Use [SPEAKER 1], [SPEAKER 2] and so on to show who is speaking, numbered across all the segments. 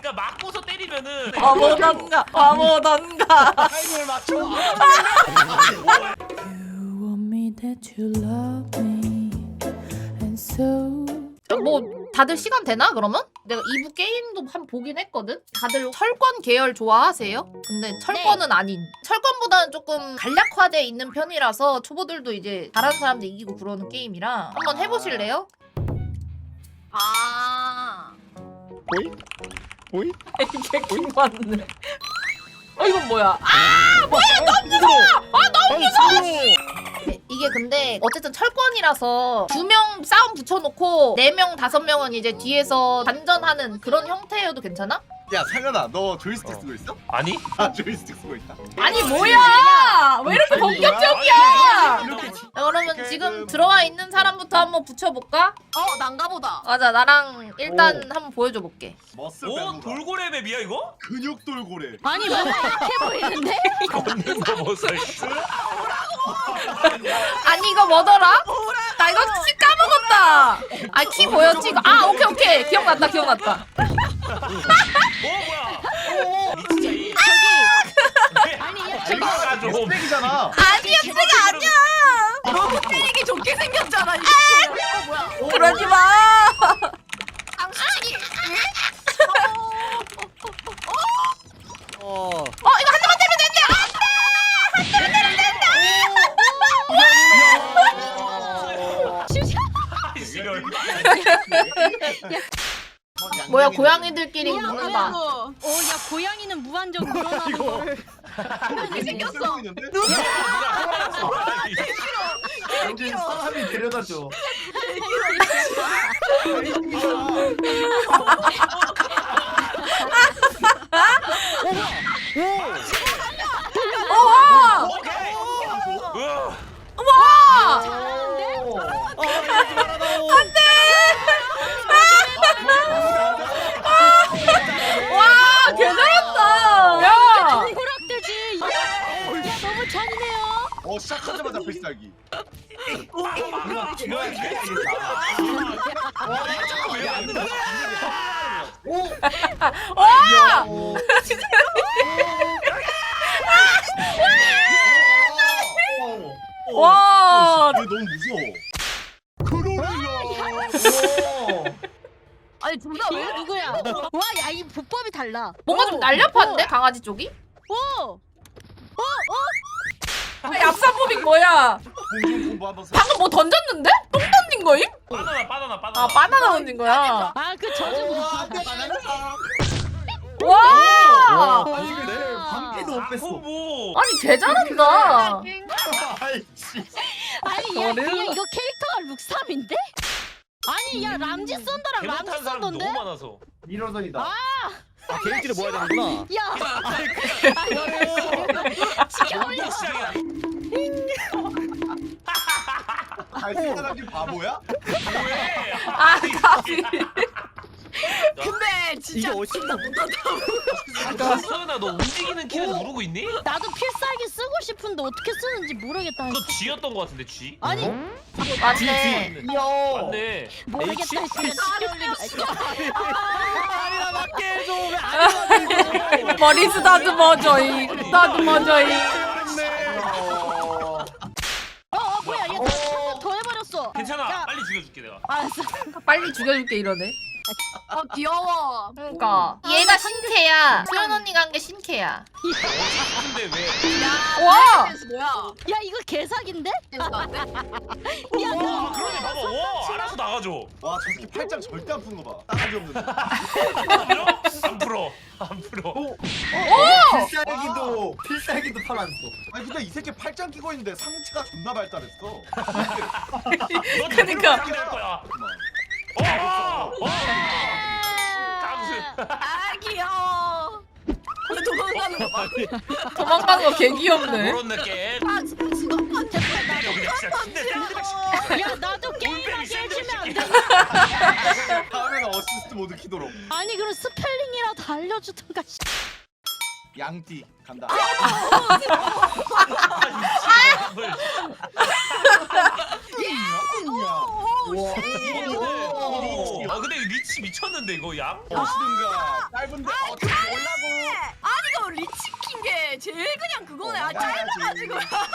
[SPEAKER 1] 그냥 맞고서 때리면은
[SPEAKER 2] 바보던가 바보던가.
[SPEAKER 3] 타이밍을 맞춰.
[SPEAKER 4] You want me that you love me and so
[SPEAKER 2] 뭐 다들 시간 되나 그러면? 내가 2부 게임도 한 보긴 했거든? 다들 철권 계열 좋아하세요? 근데 철권은 아닌 철권보다는 조금 간략화돼 있는 편이라서 초보들도 이제 잘하는 사람들 이기고 그러는 게임이라 한번 해보실래요?
[SPEAKER 5] 아.
[SPEAKER 3] 보이? 보이?
[SPEAKER 2] 이게 킹받네. 이건 뭐야?
[SPEAKER 3] 너무 무서워. 너무 무서워.
[SPEAKER 2] 이게 근데 어쨌든 철권이라서 2명 싸움 붙여놓고 4명 5명은 이제 뒤에서 반전하는 그런 형태여도 괜찮아?
[SPEAKER 6] 야 상현아 너 조이스틱 쓰고 있어?
[SPEAKER 1] 아니?
[SPEAKER 6] 아 조이스틱 쓰고 있다.
[SPEAKER 2] 아니 뭐야? 왜 이렇게 본격적이야?
[SPEAKER 6] 이렇게
[SPEAKER 2] 그러면 지금 들어와 있는 사람부터 한번 붙여볼까?
[SPEAKER 5] 난가보다.
[SPEAKER 2] 맞아 나랑 일단 한번 보여줘 볼게.
[SPEAKER 6] 머슬
[SPEAKER 1] 오
[SPEAKER 6] 빼고
[SPEAKER 1] 돌고래 맵이야 이거?
[SPEAKER 6] 근육 돌고래.
[SPEAKER 5] 아니 뭔가 약해 보이는데?
[SPEAKER 1] 걷는 거 보소.
[SPEAKER 2] 아니 이거 뭐더라? 나 이거 키 까먹었다. 아 키 뭐였지 이거? 아 오케이 기억났다.
[SPEAKER 1] 오 뭐야? 진짜 이
[SPEAKER 5] 아니
[SPEAKER 1] 저기 좀
[SPEAKER 6] 스펙이잖아.
[SPEAKER 2] 아니야 쓰가 아니야.
[SPEAKER 5] 너무 때리기 좋게 생겼잖아. 이거. 뭐야?
[SPEAKER 2] 그러지 마.
[SPEAKER 5] 당신이.
[SPEAKER 3] 어.
[SPEAKER 2] 이거 한 대만 때리면 된대. 뭐야 고양이들끼리 붙는다.
[SPEAKER 5] 야 고양이는 무한정 늘어나는 거를.
[SPEAKER 6] 이게
[SPEAKER 5] 생겼어.
[SPEAKER 6] 여기 사람이 데려다줘.
[SPEAKER 2] 와! 와! 와! 개 잘한다. 야!
[SPEAKER 5] 동그랗대지. 야 너무 잔인해요.
[SPEAKER 6] 시작하자마자 필살기.
[SPEAKER 2] 와! 와!
[SPEAKER 6] 이게 너무 무서워.
[SPEAKER 5] 아니 둘 다 왜 누구야? 와 야 이 보법이 달라.
[SPEAKER 2] 뭔가 좀 날렵한데 강아지 쪽이?
[SPEAKER 5] 오.
[SPEAKER 2] 얍삽법이 뭐야?
[SPEAKER 6] 공중 공부 한번 써.
[SPEAKER 2] 방금 뭐 던졌는데? 똥 던진 거임?
[SPEAKER 1] 바나나.
[SPEAKER 2] 아 바나나 던진 거야.
[SPEAKER 5] 아그 저주.
[SPEAKER 2] 와!
[SPEAKER 3] 아닌데?
[SPEAKER 6] 방패도 못 뺐어.
[SPEAKER 1] 뭐?
[SPEAKER 2] 아니 개 잘한다.
[SPEAKER 6] 아이씨.
[SPEAKER 5] 아니 야 그냥 이거 캐릭터가 룩삼인데? 아니 야 람지 썬더랑 람지
[SPEAKER 1] 잘못한 사람 너무
[SPEAKER 5] 썬더인데?
[SPEAKER 1] 많아서.
[SPEAKER 6] 미러전이다.
[SPEAKER 3] 아 개인기를 모아야 되는구나.
[SPEAKER 5] 야.
[SPEAKER 1] 이게 시작이야.
[SPEAKER 6] 사람이 바보야?
[SPEAKER 1] 뭐해?
[SPEAKER 2] 아 가비.
[SPEAKER 5] 근데
[SPEAKER 3] 이게
[SPEAKER 5] 진짜
[SPEAKER 3] 어신다.
[SPEAKER 1] 서은아 너 움직이는 키를 누르고 있니?
[SPEAKER 5] 나도 필살기 쓰고 싶은데 어떻게 쓰는지 모르겠다.
[SPEAKER 1] 너 G였던 거 같은데 G?
[SPEAKER 5] 아니
[SPEAKER 2] 맞네.
[SPEAKER 1] 맞네.
[SPEAKER 5] 모르겠다. 진짜
[SPEAKER 3] 아니나 맞게 해줘. 왜안
[SPEAKER 2] 머리 쓰다듬어줘이. 쓰다듬어줘이.
[SPEAKER 5] 뭐야 얘 더 해버렸어.
[SPEAKER 1] 괜찮아.
[SPEAKER 5] 야.
[SPEAKER 1] 빨리 죽여줄게 내가.
[SPEAKER 5] 알았어.
[SPEAKER 2] 빨리 죽여줄게 이러네.
[SPEAKER 5] 귀여워.
[SPEAKER 2] 그러니까 얘가 신캐야. 수연 언니가 한 게 신캐야.
[SPEAKER 1] 근데 왜?
[SPEAKER 2] 와!
[SPEAKER 5] 뭐야? 야 이거 개사기인데? 야
[SPEAKER 1] 와 그러네 봐봐. 와 알아서 나가줘.
[SPEAKER 6] 와, 저 새끼 팔짱 절대 안 푸는 거 봐. 따가지 없는데.
[SPEAKER 1] 안 풀어. 안 풀어.
[SPEAKER 6] 필살기도 팔았어. 아니 근데 이 새끼 팔짱 끼고 있는데 상체가 존나 발달했어.
[SPEAKER 1] 너
[SPEAKER 2] 그러니까.
[SPEAKER 1] 될 거야. 깜수.
[SPEAKER 5] 아 귀여워. 도망가는 거 봐.
[SPEAKER 2] 도망가는 거 개 귀엽네.
[SPEAKER 1] 그런 느낌.
[SPEAKER 5] 아 진짜
[SPEAKER 1] 그냥 진짜 진짜
[SPEAKER 5] 야 나도 게임하게 해주면 안 돼?
[SPEAKER 6] 다음에는 어시스트 모드 키도록.
[SPEAKER 5] 아니 그럼 스펠링이라도 알려주던가.
[SPEAKER 6] 양띠 간다.
[SPEAKER 1] 근데 이거 리치 미쳤는데 이거 양?
[SPEAKER 6] 보시든가 짧은데 어떻게 올라고.
[SPEAKER 5] 아니 이거 리치킨 게 제일 그냥 그거네. 아 짧아가지고.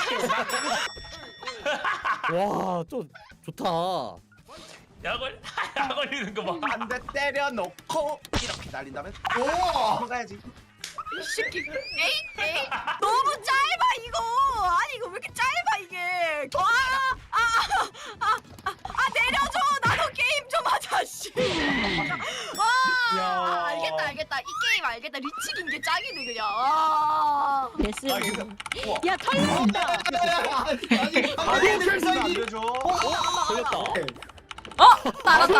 [SPEAKER 3] 와, 좀 좋다.
[SPEAKER 1] 약 걸리는 거 봐.
[SPEAKER 6] 한 대 때려놓고 이렇게 날린다면 오 가야지.
[SPEAKER 5] 이 새끼. 에이 너무 짧아 이거. 아니 이거 왜 이렇게 짧아 이게. 내려줘. 나도 게임 좀 하자 씨.
[SPEAKER 6] 야.
[SPEAKER 5] 알겠다. 이 게임 알겠다. 리치긴 게 짱이네 그냥. 아. 됐어.
[SPEAKER 6] 아 근데 우와.
[SPEAKER 5] 야 털린다.
[SPEAKER 6] 아니 결승이 안 되죠.
[SPEAKER 3] 걸렸다.
[SPEAKER 2] 알았다.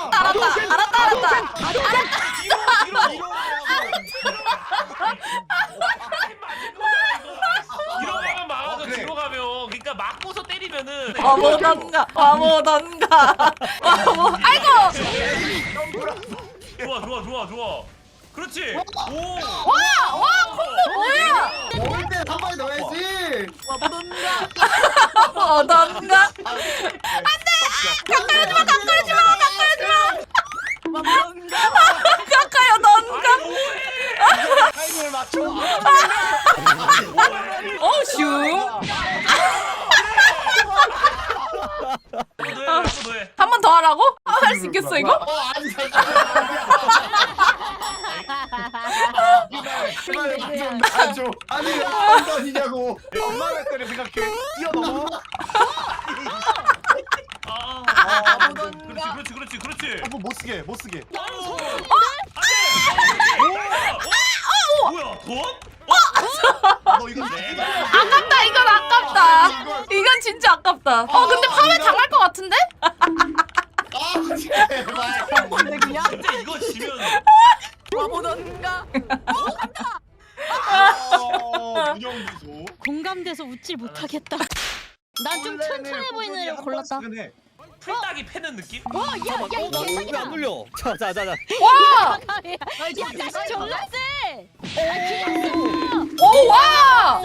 [SPEAKER 1] 이러면 막아서
[SPEAKER 6] 그래.
[SPEAKER 1] 뒤로 가면 그러니까 막고서 때리면은
[SPEAKER 2] 와보던가. 아이고.
[SPEAKER 1] 좋아. 그렇지. 오.
[SPEAKER 2] 와 콤보 뭐야?
[SPEAKER 6] 먹을 때한 방에 넣어야지.
[SPEAKER 2] 어던가. 가까이 넌가.
[SPEAKER 6] 타이밍을 맞춰.
[SPEAKER 2] 슝.
[SPEAKER 1] 너해.
[SPEAKER 2] 한 번 더 하라고? 할 수 있겠어 이거?
[SPEAKER 6] 아니 줘. 아니 엉덩이냐고. 엄마가 때려 생각해. 뛰어넘어.
[SPEAKER 1] 그렇지.
[SPEAKER 6] 한번 못 쓰게.
[SPEAKER 1] 뭐야 돈?
[SPEAKER 6] 너 이거
[SPEAKER 2] 아깝다 이건 아깝다. 이건 진짜 아깝다. 근데 파회 당할 것 같은데?
[SPEAKER 6] 제발.
[SPEAKER 1] 진짜 이거 지면
[SPEAKER 5] 와보던가.
[SPEAKER 6] 문영미소.
[SPEAKER 5] 공감돼서 웃질 못하겠다. 난 좀 튼튼해 보이는 애를 골랐다.
[SPEAKER 1] 풀딱이 패는 느낌?
[SPEAKER 5] 야이
[SPEAKER 3] 왜안
[SPEAKER 5] 개사기다.
[SPEAKER 3] 눌려? 자.
[SPEAKER 2] 와!
[SPEAKER 5] 야 다시 졸라 세.
[SPEAKER 2] 오 와!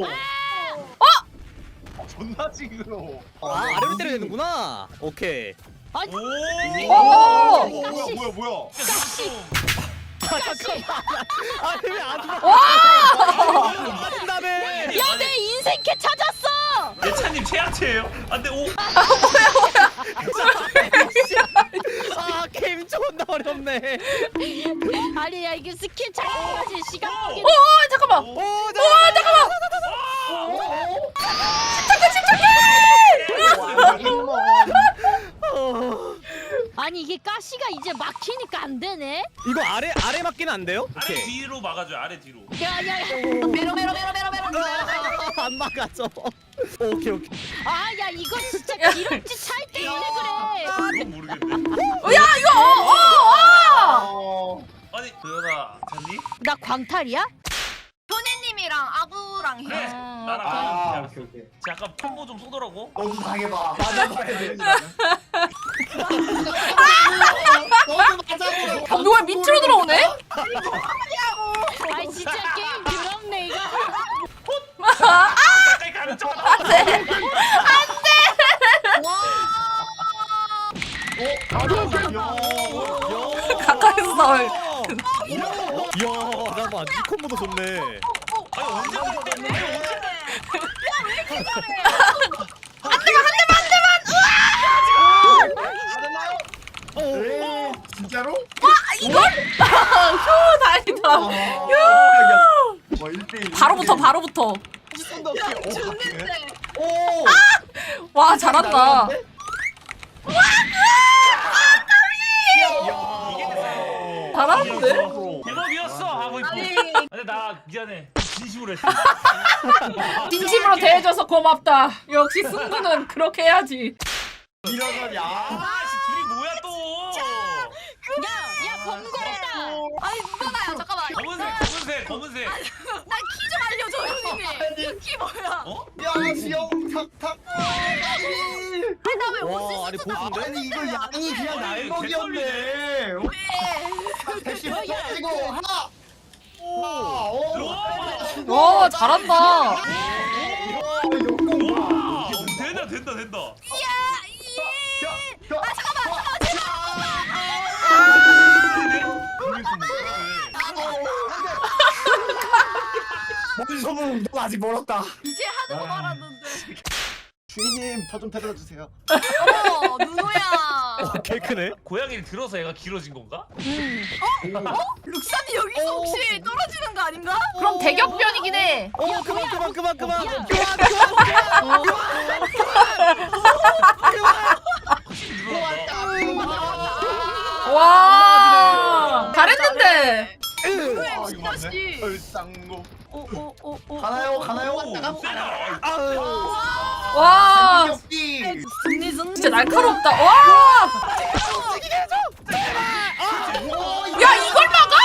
[SPEAKER 6] 존나 징그러워.
[SPEAKER 3] 아래로 때려야 되는구나. 오케이.
[SPEAKER 5] 아니
[SPEAKER 1] 오.
[SPEAKER 6] 뭐야.
[SPEAKER 3] 잠깐만. 왜안 죽어? 맞다며.
[SPEAKER 5] 야 내 인생캐 찾았어.
[SPEAKER 1] 예찬님 최악체예요. 안돼 오.
[SPEAKER 3] 게임 존나 어렵네.
[SPEAKER 5] 아니 야 이게 스킬 찾아야지 시간 보기.
[SPEAKER 2] 잠깐만. 잠깐만.
[SPEAKER 5] 아니 이게 가시가 이제 막히니까 안 되네.
[SPEAKER 3] 이거 아래 맞기는 안 돼요?
[SPEAKER 1] 아래
[SPEAKER 3] 오케이.
[SPEAKER 1] 뒤로 막아줘요. 아래 뒤로.
[SPEAKER 5] 야야야. 메로.
[SPEAKER 3] 안 막아줘. 오케이.
[SPEAKER 5] 아야 이거 진짜 기름지 찰 때 이래 그래.
[SPEAKER 1] 그건 모르겠네.
[SPEAKER 2] 야 이거
[SPEAKER 1] 아니 도연아 잤니?
[SPEAKER 5] 나 광탈이야? 현애님이랑 아부랑
[SPEAKER 1] 그래.
[SPEAKER 5] 해.
[SPEAKER 1] 나랑
[SPEAKER 6] 오케이.
[SPEAKER 1] 약간 콤보 좀 쏘더라고.
[SPEAKER 6] 너도 당해봐. 맞아봐야 돼. 너도 맞아보라고.
[SPEAKER 2] 누가 밑으로 들어오네?
[SPEAKER 5] 아이 진짜 게임 더럽네 이거.
[SPEAKER 1] 가까이 가는 척.
[SPEAKER 2] 가까이서 나와.
[SPEAKER 3] 야, 잠깐만. 이 콤보도 좋네.
[SPEAKER 1] 아니 언제 갈 때?
[SPEAKER 6] 진짜로?
[SPEAKER 2] 휴 다행이다.
[SPEAKER 6] 뭐 1대1.
[SPEAKER 2] 바로부터.
[SPEAKER 6] 오.
[SPEAKER 2] 와 잘한다. 잘하는데?
[SPEAKER 1] 대박이었어 하고 있고. 근데 나 미안해. 진심으로 했어.
[SPEAKER 2] 진심으로 대해줘서 고맙다. 역시 승부는 그렇게 해야지.
[SPEAKER 6] 이러면 야.
[SPEAKER 1] 아씨 둘이 뭐야 또?
[SPEAKER 5] 야 번거롭다. 아니 누나야 잠깐만.
[SPEAKER 1] 검은색.
[SPEAKER 5] 나 키 좀 알려줘 형님이. 키 뭐야?
[SPEAKER 1] 어?
[SPEAKER 6] 야, 지영 탁탁.
[SPEAKER 5] 나왜
[SPEAKER 3] 와, 아니 보수인데?
[SPEAKER 6] 아니 이거 양이 그냥 날먹이었네. 대신 빠지고 하나.
[SPEAKER 2] 와 잘한다.
[SPEAKER 6] 역공 봐.
[SPEAKER 1] 된다.
[SPEAKER 5] 야
[SPEAKER 7] 넌 아직 멀었다.
[SPEAKER 5] 이제 하는 거 말았는데.
[SPEAKER 6] 주인님 저 좀 데려다 주세요.
[SPEAKER 5] 어머 누누야.
[SPEAKER 3] 개 크네.
[SPEAKER 1] 고양이를 들어서 얘가 길어진 건가?
[SPEAKER 5] 룩삼이 여기서 혹시 떨어지는 거 아닌가?
[SPEAKER 2] 그럼 대격변이긴 해.
[SPEAKER 3] 그만.
[SPEAKER 2] 와 잘했는데.
[SPEAKER 5] 누누의
[SPEAKER 6] 아, 이거 맞네.
[SPEAKER 5] 미친듯이.
[SPEAKER 6] 얼쌍고.
[SPEAKER 7] 가나요?
[SPEAKER 2] 와
[SPEAKER 6] 역기.
[SPEAKER 2] 진짜 날카롭다. 와. 야 이걸 막아?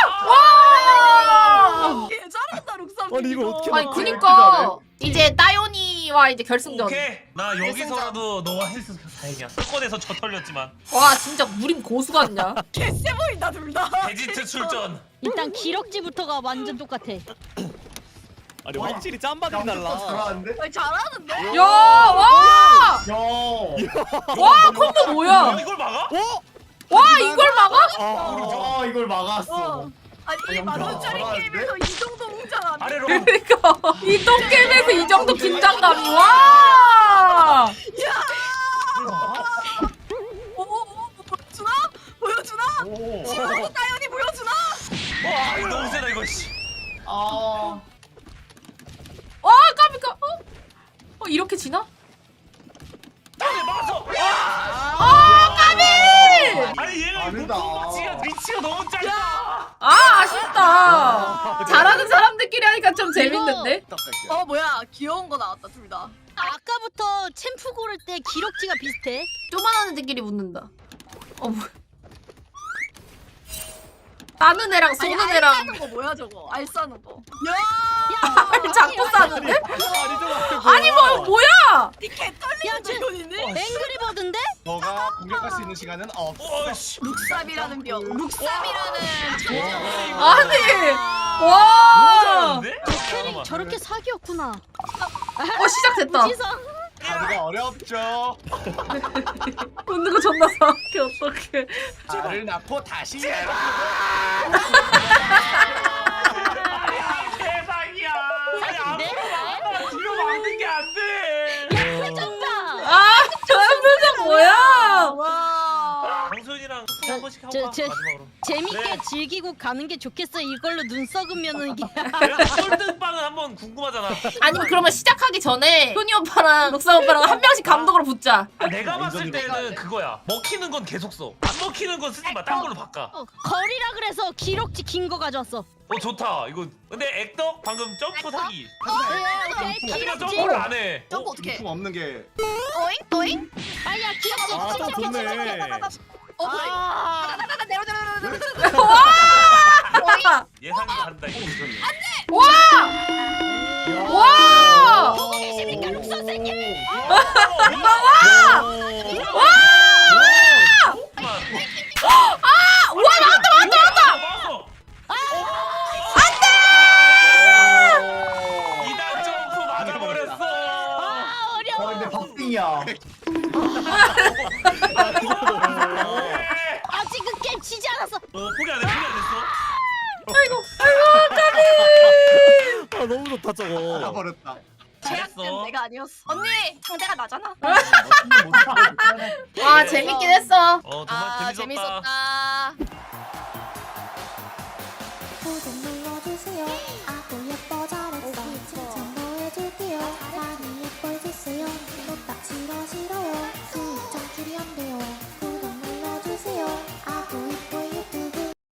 [SPEAKER 2] 와.
[SPEAKER 5] 개 잘한다 룩삼.
[SPEAKER 3] 아니, 이걸 어떻게
[SPEAKER 2] 아니
[SPEAKER 3] 막-
[SPEAKER 2] 그니까 이제 따요니와 이제 결승전.
[SPEAKER 1] 오케이. 나 여기서라도 너와 했으면 다행이야. 사건에서 저 털렸지만
[SPEAKER 2] 와 진짜 무림 고수 같냐?
[SPEAKER 5] 개쎄 보인다 둘 다.
[SPEAKER 1] 데지트 출전.
[SPEAKER 8] 일단 기럭지부터가 완전 똑같아.
[SPEAKER 3] 아니 확실히 짬바들이 달라.
[SPEAKER 7] 잘하는데?
[SPEAKER 5] 아니, 잘하는데?
[SPEAKER 2] 야 와.
[SPEAKER 7] 야.
[SPEAKER 2] 와 콤보 뭐야?
[SPEAKER 1] 이걸 막아?
[SPEAKER 2] 와 이걸 막아?
[SPEAKER 7] 아 이걸 막았어.
[SPEAKER 5] 아니 이 만원짜리
[SPEAKER 7] 잘하는데?
[SPEAKER 5] 게임에서 이 정도 웅장 안 해.
[SPEAKER 1] 아래로.
[SPEAKER 2] 그러니까 이 똥게임에서 이 정도 긴장감이 와.
[SPEAKER 5] 보여주나? 보여주나?
[SPEAKER 6] 오.
[SPEAKER 5] 지금도 따연이 보여주나?
[SPEAKER 1] 와 이거 너무 세다 이거. 씨.
[SPEAKER 7] 아.
[SPEAKER 2] 와 까비까. 이렇게 지나?
[SPEAKER 1] 막았어.
[SPEAKER 2] 아 까비.
[SPEAKER 1] 아니 얘가
[SPEAKER 6] 아니다.
[SPEAKER 1] 위치가 너무 짧다.
[SPEAKER 2] 아 아쉽다. 잘하는 사람들끼리 하니까 좀 재밌는데.
[SPEAKER 5] 뭐야 귀여운 거 나왔다 둘 다.
[SPEAKER 8] 아까부터 챔프 고를 때 기럭지가 비슷해.
[SPEAKER 2] 쪼만한 애들끼리 붙는다. 뭐. 따는 애랑
[SPEAKER 5] 아니
[SPEAKER 2] 쏘는
[SPEAKER 5] 알
[SPEAKER 2] 애랑
[SPEAKER 5] 싸는 거 뭐야 저거? 알 싸는 거. 야!
[SPEAKER 2] 알 잡고 싸는데?
[SPEAKER 3] 아니
[SPEAKER 2] 뭐야?
[SPEAKER 5] 이 개
[SPEAKER 8] 야,
[SPEAKER 5] 떨리는
[SPEAKER 8] 쟤-
[SPEAKER 5] 돈이네.
[SPEAKER 8] 앵그리버드인데?
[SPEAKER 6] 너가 공격할 수 있는 시간은 없어.
[SPEAKER 1] 어씨.
[SPEAKER 5] 룩삼이라는 병. 룩삼이라는
[SPEAKER 2] 아니 와.
[SPEAKER 8] 캐릭 저렇게 사기였구나.
[SPEAKER 2] 시작됐다.
[SPEAKER 8] 지성.
[SPEAKER 6] 다리가 어렵죠.
[SPEAKER 2] 웃는 거 존나 사악해 어떡해.
[SPEAKER 6] 알을 낳고 다시.
[SPEAKER 1] 대박이야. 아니 앞으로 뒤로 막는 게 안 돼.
[SPEAKER 8] 회전다.
[SPEAKER 2] 저 표정 뭐야?
[SPEAKER 5] 와.
[SPEAKER 1] 강소연이랑 한 번씩 하고
[SPEAKER 8] 저-
[SPEAKER 1] 가.
[SPEAKER 8] 저-
[SPEAKER 1] 마지막으로.
[SPEAKER 8] 재밌게
[SPEAKER 1] 네.
[SPEAKER 8] 즐기고 가는 게 좋겠어. 이걸로 눈 썩으면은 이게.
[SPEAKER 1] 그래도 꼴등빵은 한번 궁금하잖아.
[SPEAKER 2] 아니면 그러면 시작하기 전에 효니 오빠랑 록사 오빠랑 한 명씩 감독으로 붙자.
[SPEAKER 1] 내가 봤을 때는 그거야. 먹히는 건 계속 써. 안 먹히는 건 쓰지 마. 딴 걸로 바꿔.
[SPEAKER 8] 거리라 그래서 기럭지 긴 거 가져왔어.
[SPEAKER 1] 좋다. 이거 근데 액덕 방금 점프 사기.
[SPEAKER 8] 오케이
[SPEAKER 1] 하지만
[SPEAKER 8] 기럭지.
[SPEAKER 1] 점프를 안 해.
[SPEAKER 5] 점프 어떻게?
[SPEAKER 6] 품 없는 게.
[SPEAKER 5] 또잉?
[SPEAKER 8] 아야 기럭지.
[SPEAKER 3] 아, 좀 좋네.
[SPEAKER 5] 그래.
[SPEAKER 8] 아.
[SPEAKER 5] 내려.
[SPEAKER 1] 예상이 다른다. 이거.
[SPEAKER 2] 와!
[SPEAKER 8] 보고 계십니까 룩 선생님?
[SPEAKER 1] 이단 점프 맞아버렸어.
[SPEAKER 8] 아 어려워.
[SPEAKER 7] 근데 박빙이야.
[SPEAKER 8] 아직은 게임 지지 않았어.
[SPEAKER 1] 포기 안 했어.
[SPEAKER 3] 아 너무 좋다 저거.
[SPEAKER 6] 나버렸다.
[SPEAKER 5] 제약된
[SPEAKER 1] 잘했어.
[SPEAKER 5] 내가 아니었어. 언니 상대가 나잖아.
[SPEAKER 2] 와 재밌긴 했어.
[SPEAKER 1] 정말 재밌었다.
[SPEAKER 2] 구독 눌러주세요.